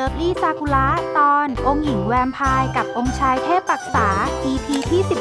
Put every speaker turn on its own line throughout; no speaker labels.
Lovely Sakura ตอนองค์หญิงแวมไพร์กับองค์ชายเทพปรักษา EP ที่ 11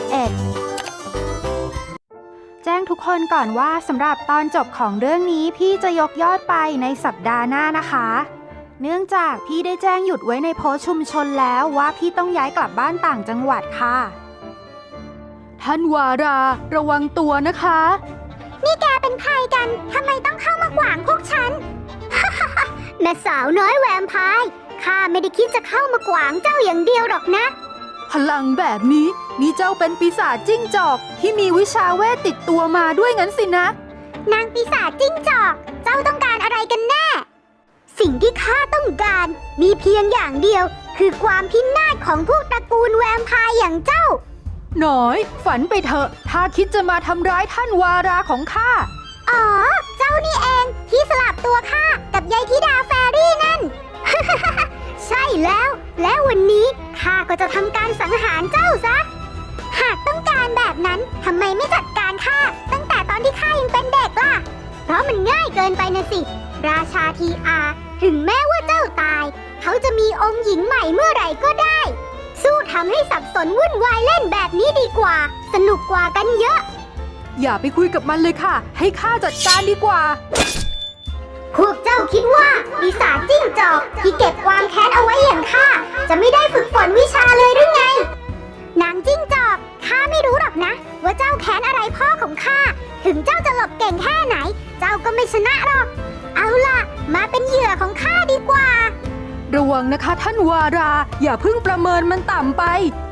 แจ้งทุกคนก่อนว่าสำหรับตอนจบของเรื่องนี้พี่จะยกยอดไปในสัปดาห์หน้านะคะ เนื่องจากพี่ได้แจ้งหยุดไว้ในโพสต์ชุมชนแล้วว่าพี่ต้องย้ายกลับบ้านต่างจังหวัดค่ะท่านวาราระวังตัวนะคะ
นี่แกเป็นใครกันทำไมต้องเข้ามาขวางพวกฉัน แม่สาวน้อยแวมไพร์ข้าไม่ได้คิดจะเข้ามาขวางเจ้าอย่างเดียวหรอกนะ
พลังแบบนี้นี่เจ้าเป็นปีศาจจิ้งจอกที่มีวิชาเวทติดตัวมาด้วยงั้นสินะ
นางปีศาจจิ้งจอกเจ้าต้องการอะไรกันแน่สิ่งที่ข้าต้องการมีเพียงอย่างเดียวคือความพินาศของพวกตระกูลแวมไพร์อย่างเจ้า
หน่อยฝันไปเถอะถ้าคิดจะมาทำร้ายท่านวาราของข้า
อ๋อเจ้านี่เองที่สลับตัวข้ากับยายธิดาแฟรี่นั่น ใช่แล้ววันนี้ข้าก็จะทำการสังหารเจ้าซะหากต้องการแบบนั้นทำไมไม่จัดการข้าตั้งแต่ตอนที่ข้ายังเป็นเด็กล่ะเพราะมันง่ายเกินไปนะสิราชาทีอาถึงแม้ว่าเจ้าตายเขาจะมีองค์หญิงใหม่เมื่อไหร่ก็ได้สู้ทำให้สับสนวุ่นวายเล่นแบบนี้ดีกว่าสนุกกว่ากันเยอะ
อย่าไปคุยกับมันเลยค่ะให้ข้าจัดการดีกว่า
พวกเจ้าคิดว่าปีศาจจิ้งจอกที่เก็บความแค้นเอาไว้อย่างข้าจะไม่ได้ฝึกฝนวิชาเลยหรือไงนางจิ้งจอกข้าไม่รู้หรอกนะว่าเจ้าแค้นอะไรพ่อของข้าถึงเจ้าจะหลบเก่งแค่ไหนเจ้าก็ไม่ชนะหรอกเอาล่ะมาเป็นเหยื่อของข้าดีกว่า
ระวังนะคะท่านวาราอย่าเพิ่งประเมินมันต่ำไป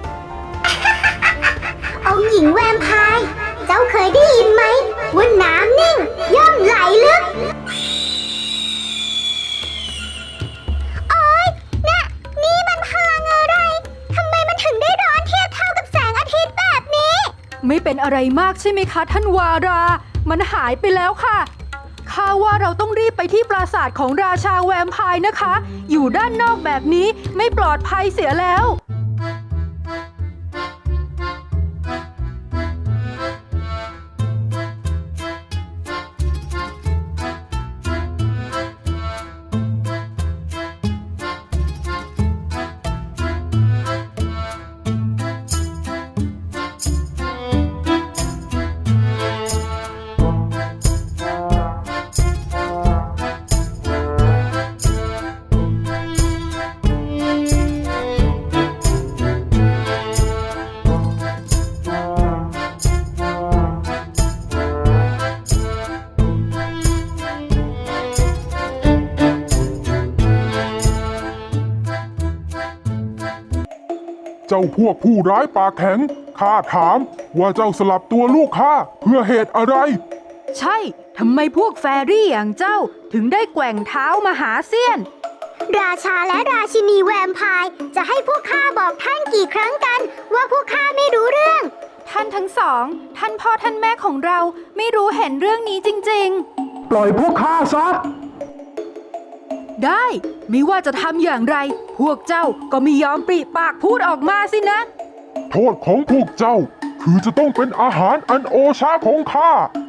องค์หญิงแวมไพร์เจ้าเคยได้ยินไหมว่าน้ำนิ่งย่อมไหลลึกโอ๊ยนี่มันพลังอะไรทำไมมันถึงได้ร้อนเทียบเท่ากับแสงอาทิตย์แบบนี้
ไม่เป็นอะไรมากใช่ไหมคะท่านวารามันหายไปแล้วค่ะข้าว่าเราต้องรีบไปที่ปราสาทของราชาแวมไพร์นะคะอยู่ด้านนอกแบบนี้ไม่ปลอดภัยเสียแล้ว
เจ้าพวกผู้ร้ายปากแข็งข้าถามว่าเจ้าสลับตัวลูกข้าเพื่อเหตุอะไร
ใช่ทำไมพวกแฟรี่อย่างเจ้าถึงได้แกว่งเท้ามาหาเซียน
ราชาและราชินีแวมไพร์จะให้พวกข้าบอกท่านกี่ครั้งกันว่าพวกข้าไม่รู้เรื่อง
ท่านทั้งสองท่านพ่อท่านแม่ของเราไม่รู้เห็นเรื่องนี้จริง
ๆปล่อยพวกข้าซะ
ได้ไม่ว่าจะทำอย่างไรพวกเจ้าก็ไม่ยอมปริปากพูดออกมาสินะ
โทษของพวกเจ้าคือจะต้องเป็นอาหารอันโอชาของข้า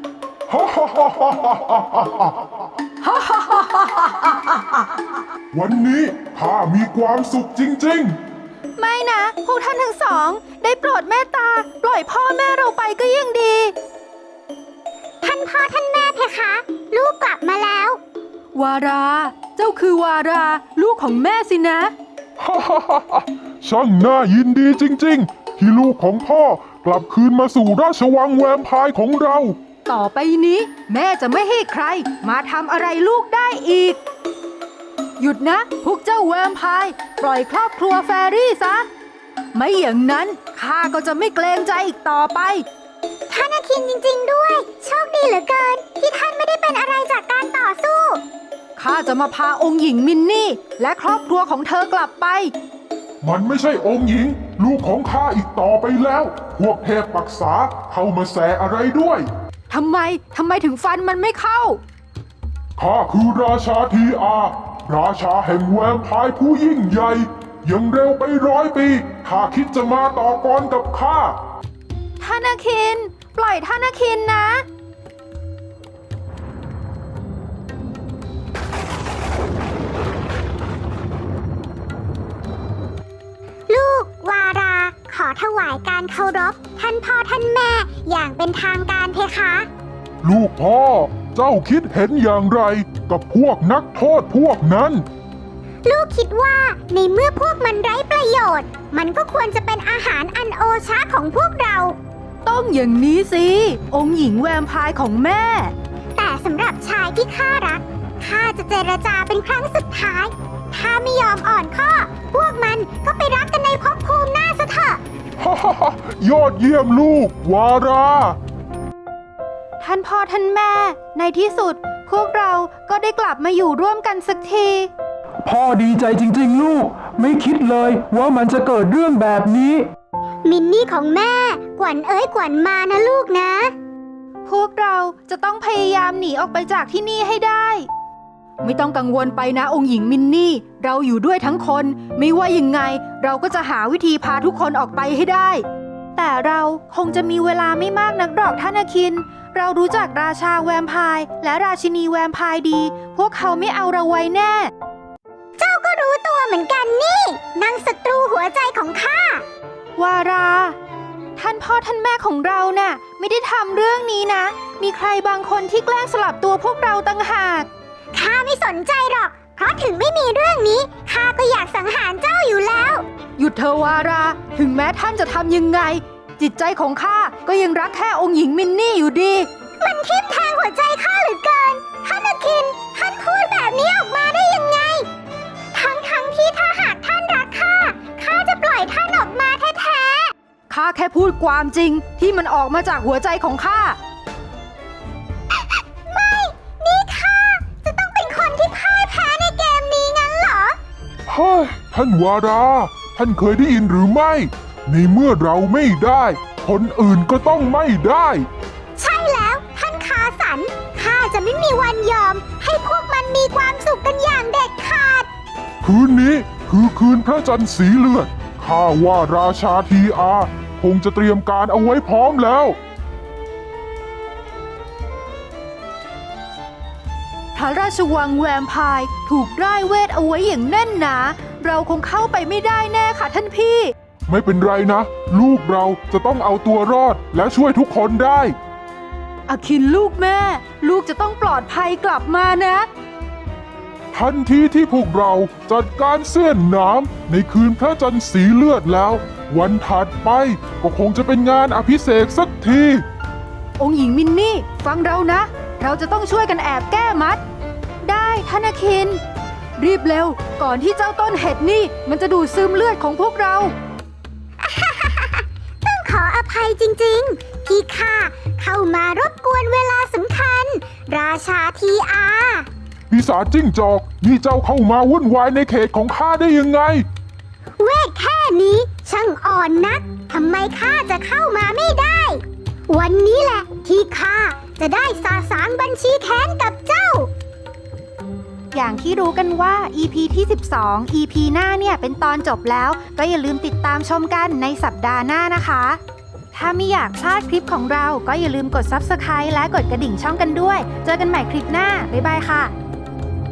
วันนี้ข้ามีความสุขจริง
ๆไม่นะพวกท่านทั้งสองได้โปรดเมตตาปล่อยพ่อแม่เราไปก็ยังดี
ท่านพ่อท่านแม่เพคะลูกกลับมาแล้ว
วาราเจ้าคือวาราลูกของแม่สินะ
ช่างน่ายินดีจริงๆที่ลูกของพ่อกลับคืนมาสู่ราชวังแวมไพร์ของเรา
ต่อไปนี้แม่จะไม่ให้ใครมาทำอะไรลูกได้อีกหยุดนะพวกเจ้าแวมไพร์ปล่อยครอบครัวแฟรี่ซะไม่อย่างนั้นข้าก็จะไม่เกรงใจอีกต่อไป
ท่านอาคินจริงๆด้วยโชคดีเหลือเกินที่ท่านไม่ได้เป็นอะไรจากการต่อสู้
ข้าจะมาพาองค์หญิงมินนี่และครอบครัวของเธอกลับไป
มันไม่ใช่องค์หญิงลูกของข้าอีกต่อไปแล้วพวกเทพปรักษาเข้ามาแสอะไรด้วย
ทำไมถึงฟันมันไม่เข้า
ข้าคือราชาทีอาราชาแห่งแวมไพร์ผู้ยิ่งใหญ่ยังเร็วไป100 ปีข้าคิดจะมาต่อกรกับข้า
ท่านอาคินปล่อยท่านอาคินนะ
อ
ถวายการเคารพท่านพ่อท่านแม่อย่างเป็นทางการเพคะ
ลูกพ่อ เจ้าคิดเห็นอย่างไรกับพวกนักโทษพวกนั้น
ลูกคิดว่าในเมื่อพวกมันไร้ประโยชน์ มันก็ควรจะเป็นอาหารอันโอชะของพวกเรา
ต้องอย่างนี้สิ องค์หญิงแวมไพร์ของแม่
แต่สำหรับชายที่ข้ารักข้าจะเจรจาเป็นครั้งสุดท้าย ถ้าไม่ยอมอ่อนข้อ พวกมันก็ไปรักกันในภพภูมิหน้าซะเถอะ
ฮ่าฮ่าฮ่ายอดเยี่ยมลูก วารา
ท่านพ่อท่านแม่ ในที่สุด พวกเราก็ได้กลับมาอยู่ร่วมกันสักที
พ่อดีใจจริงๆลูก ไม่คิดเลยว่ามันจะเกิดเรื่องแบบนี้
มินนี่ของแม่ กวนเอ้ยกวนมานะลูกนะ
พวกเราจะต้องพยายามหนีออกไปจากที่นี่ให้ได้ ไม่ต้องกังวลไปนะองค์หญิงมินนี่ เราอยู่ด้วยทั้งคน ไม่ว่ายังไง เราก็จะหาวิธีพาทุกคนออกไปให้ได้ แต่เราคงจะมีเวลาไม่มากนักหรอกท่านอาคิน เรารู้จักราชาแวมไพร์และราชินีแวมไพร์ดี พวกเขาไม่เอาเราไว้แน่
เจ้าก็รู้ตัวเหมือนกันนี่นางศัตรูหัวใจของข้า
วารา ท่านพ่อท่านแม่ของเราน่ะไม่ได้ทำเรื่องนี้นะ มีใครบางคนที่แกล้งสลับตัวพวกเราต่างหาก
ข้าไม่สนใจหรอก เพราะถึงไม่มีเรื่องนี้ข้าก็อยากสังหารเจ้าอยู่แล้ว
หยุดเธอะวารา ถึงแม้ท่านจะทำยังไง จิตใจของข้าก็ยังรักแค่องค์หญิงมินนี่อยู่ดี
มันทิ่มแทงหัวใจข้าเหลือเกิน ท่านอาคิน ท่านพูดแบบนี้ออกมาได้ยังไง ทั้งที่ถ้าหากท่านรักข้า ข้าจะปล่อยท่านออกมาแท้
ข้าแค่พูดความจริงที่มันออกมาจากหัวใจของข้า
ๆ ไม่ นี่ข้าจะต้องเป็นคนที่พ่ายแพ้ในเกมนี้งั้นเหรอ
เฮ้ย ท่านวารา ท่านเคยได้ยินหรือไม่ ในเมื่อเราไม่ได้ คนอื่นก็ต้องไม่ได้
ใช่แล้วท่านคาสัน ข้าจะไม่มีวันยอม ให้พวกมันมีความสุขกันอย่างเด็ดขาด
คืนนี้คือคืนพระจันทร์สีเลือด ข้าว่าราชาทีอาคงจะเตรียมการเอาไว้พร้อมแล้ว
พระราชวังแวมไพร์ถูกร่ายเวทเอาไว้อย่างแน่นหนา เราคงเข้าไปไม่ได้แน่ค่ะท่านพี่
ไม่เป็นไรนะ ลูกเราจะต้องเอาตัวรอดและช่วยทุกคนได้
อาคินลูกแม่ ลูกจะต้องปลอดภัยกลับมานะ
ทันทีที่พวกเราจัดการเสี้ยนน้ำในคืนพระจันทร์สีเลือดแล้ว วันถัดไปก็คงจะเป็นงานอภิเษกสักที
องค์หญิงมินนี่ฟังเรานะ เราจะต้องช่วยกันแอบแก้มัด ได้ท่านอาคิน รีบเร็ว ก่อนที่เจ้าต้นเห็ดนี่มันจะดูดซึมเลือดของพวกเรา
ต้องขออภัยจริงๆ ที่ข้าเข้ามารบกวนเวลาสำคัญ ราชาทีอา
ปีศาจจิ้งจอกนี่เจ้าเข้ามาวุ่นวายในเขตของข้าได้ยังไง
เวทแค่นี้ช่างอ่อนนัก ทำไมข้าจะเข้ามาไม่ได้ วันนี้แหละที่ข้าจะได้สาสางบัญชีแค้นกับเจ้า
อย่างที่รู้กันว่า EP ที่ 12 EP หน้าเนี่ยเป็นตอนจบแล้ว ก็อย่าลืมติดตามชมกันในสัปดาห์หน้านะคะ ถ้าไม่อยากพลาดคลิปของเราก็อย่าลืมกด Subscribe และกดกระดิ่งช่องกันด้วย เจอกันใหม่คลิปหน้า บ๊ายบายค่ะ